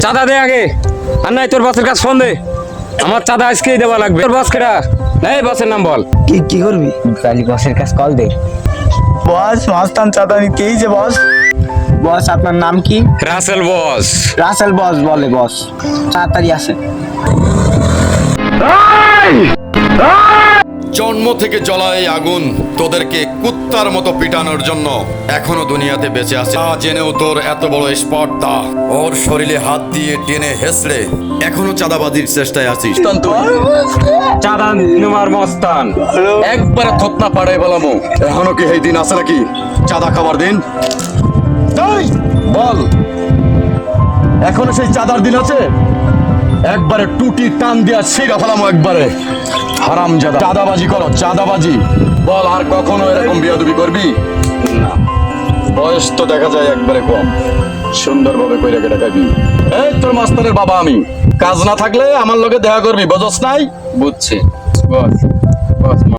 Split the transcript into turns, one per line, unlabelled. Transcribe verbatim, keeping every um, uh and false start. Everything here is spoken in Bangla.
চাঁদা দে আগে, আর নাই তোর বসের কাছে ফোন দে। আমার চাঁদা আজকেই দেওয়া লাগবে। তোর বস কেডা? এই বসের নাম বল।
কি কি করবি?
তাহলে বসের কাছে কল দে।
বস মাস্তান চাঁদা নিতেই যে বস। বস আপনার নাম কি?
রাসেল বস।
রাসেল বস বলে বস, তাড়াতাড়ি আসেন।
জন্ম থেকে জ্বলা এই আগুন তোদেরকে কুত্তার মতো পিটানোর জন্য এখনো দুনিয়াতে বেঁচে আছে। তা জেনেও তোর এত বড় স্পর্ধা, ওর শরীরে হাত দিয়ে টেনে হেসড়ে এখনো চাঁদাবাজির চেষ্টায় আছিস।
চাঁদা নেওয়ার মস্তান
একবারে থতনা পাড়াই বলামো। এখনো কি এই দিন আছে নাকি চাঁদা খাবার দিন? এই, বল এখনো সেই চাঁদার দিন আছে? একবারে টুটি টান দিয়া ছিঁড়া ফেলামো একবারে। হারাম জাদা, চাঁদাবাজি করো চাঁদাবাজি। বল আর কখনো এরকম বিয়াদবি করবি না? বয়স তো দেখা যায় একবারে কম, সুন্দরভাবে কইরা কেটে খাবি। এই তোর মাস্টারের বাবা আমি, কাজ না থাকলে আমার লগে দেখা করবি, বুঝছ নাই?
বুঝছি বস। বস